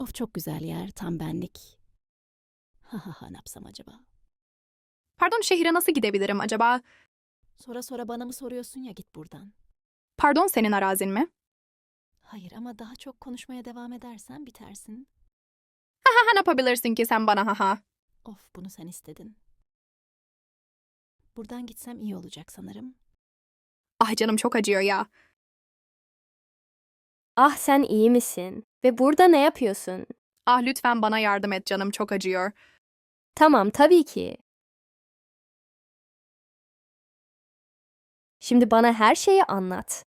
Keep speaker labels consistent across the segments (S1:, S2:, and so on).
S1: Of çok güzel yer, tam benlik. Ha ha ha ne yapsam acaba?
S2: Pardon, şehire nasıl gidebilirim acaba?
S1: Sonra sonra bana mı soruyorsun ya git buradan.
S2: Pardon, senin arazin mi?
S1: Hayır ama daha çok konuşmaya devam edersen bitersin.
S2: Ha, ne yapabilirsin ki sen bana haha?
S1: Of bunu sen istedin. Buradan gitsem iyi olacak sanırım.
S2: Ah canım çok acıyor ya.
S3: Ah sen iyi misin? Ve burada ne yapıyorsun?
S2: Ah lütfen bana yardım et, canım çok acıyor.
S3: Tamam tabii ki. Şimdi bana her şeyi anlat.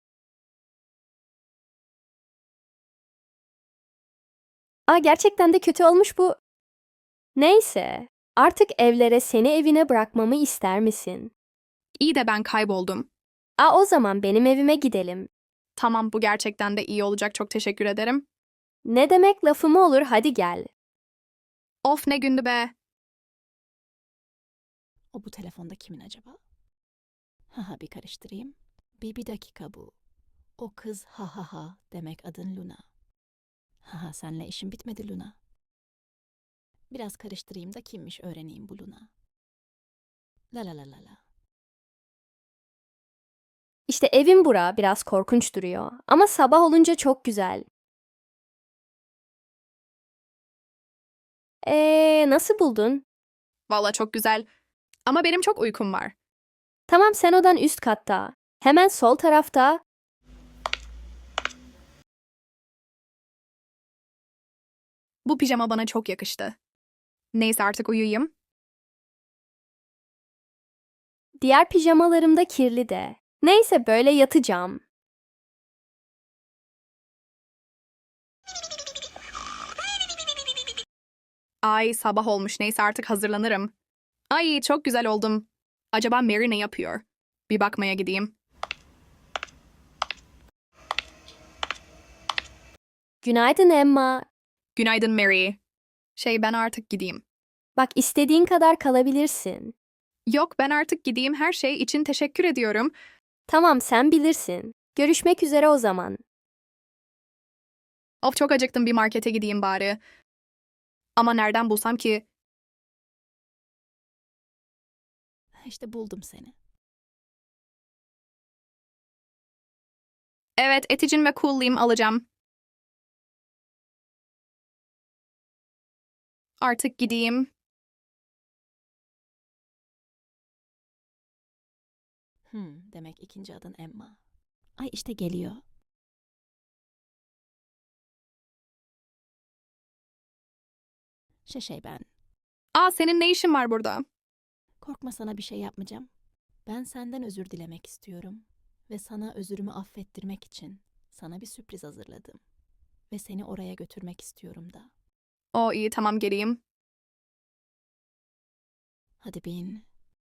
S3: Gerçekten de kötü olmuş bu. Neyse, artık evlere seni evine bırakmamı ister misin?
S2: İyi de ben kayboldum.
S3: O zaman benim evime gidelim.
S2: Tamam, bu gerçekten de iyi olacak, çok teşekkür ederim.
S3: Ne demek lafımı olur hadi gel.
S2: Of ne gündü be.
S1: O bu telefonda kimin acaba? Ha ha bir karıştırayım. Bir dakika bu. O kız ha ha ha demek adın Luna. Ha ha senle işim bitmedi Luna. Biraz karıştırayım da kimmiş öğreneyim bu Luna. La la la la la.
S3: İşte evim bura biraz korkunç duruyor ama sabah olunca çok güzel. Nasıl buldun?
S2: Valla çok güzel. Ama benim çok uykum var.
S3: Tamam sen odan üst katta. Hemen sol tarafta.
S2: Bu pijama bana çok yakıştı. Neyse artık uyuyayım.
S3: Diğer pijamalarım da kirli de. Neyse böyle yatacağım.
S2: Ay sabah olmuş, neyse artık hazırlanırım. Ay çok güzel oldum. Acaba Mary ne yapıyor? Bir bakmaya gideyim.
S3: Günaydın Emma.
S2: Günaydın Mary. Ben artık gideyim.
S3: Bak istediğin kadar kalabilirsin.
S2: Yok ben artık gideyim, her şey için teşekkür ediyorum.
S3: Tamam sen bilirsin. Görüşmek üzere o zaman.
S2: Of çok acıktım, bir markete gideyim bari. Ama nereden bulsam ki?
S1: İşte buldum seni.
S2: Evet, Eticin ve Cool'liğim alacağım. Artık gideyim.
S1: Demek ikinci adın Emma. Ay işte geliyor. Ben.
S2: Aa senin ne işin var burada?
S1: Korkma sana bir şey yapmayacağım. Ben senden özür dilemek istiyorum. Ve sana özürümü affettirmek için sana bir sürpriz hazırladım. Ve seni oraya götürmek istiyorum da.
S2: O iyi, tamam geleyim.
S1: Hadi bin.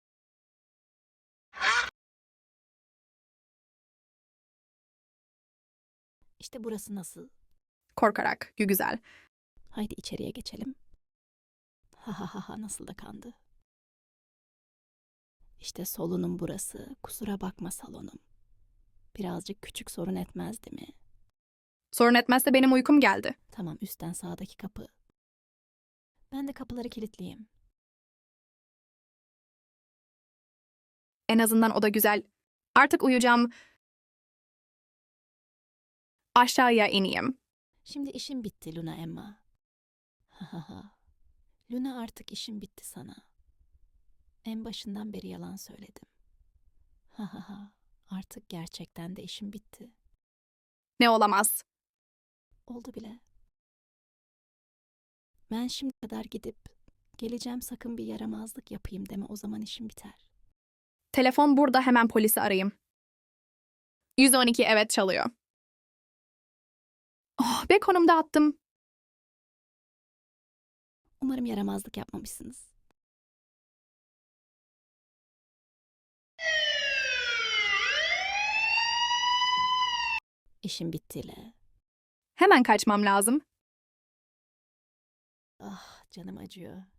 S1: İşte burası nasıl?
S2: Korkarak, güzel.
S1: Haydi içeriye geçelim. Ha ha ha ha nasıl da kandı. İşte solunum burası. Kusura bakma salonum. Birazcık küçük sorun etmez değil mi?
S2: Sorun etmezse benim uykum geldi.
S1: Tamam üstten sağdaki kapı. Ben de kapıları kilitleyeyim.
S2: En azından o da güzel. Artık uyuyacağım. Aşağıya ineyim.
S1: Şimdi işim bitti Luna Emma. Ha ha ha. Luna artık işim bitti sana. En başından beri yalan söyledim. Ha ha ha. Artık gerçekten de işim bitti.
S2: Ne olamaz.
S1: Oldu bile. Ben şimdi kadar gidip geleceğim sakın bir yaramazlık yapayım deme o zaman işim biter.
S2: Telefon burada, hemen polisi arayayım. 112 evet çalıyor. Oh be, konumda attım.
S1: Umarım yaramazlık yapmamışsınız. İşim bittiyle.
S2: Hemen kaçmam lazım.
S1: Ah canım acıyor.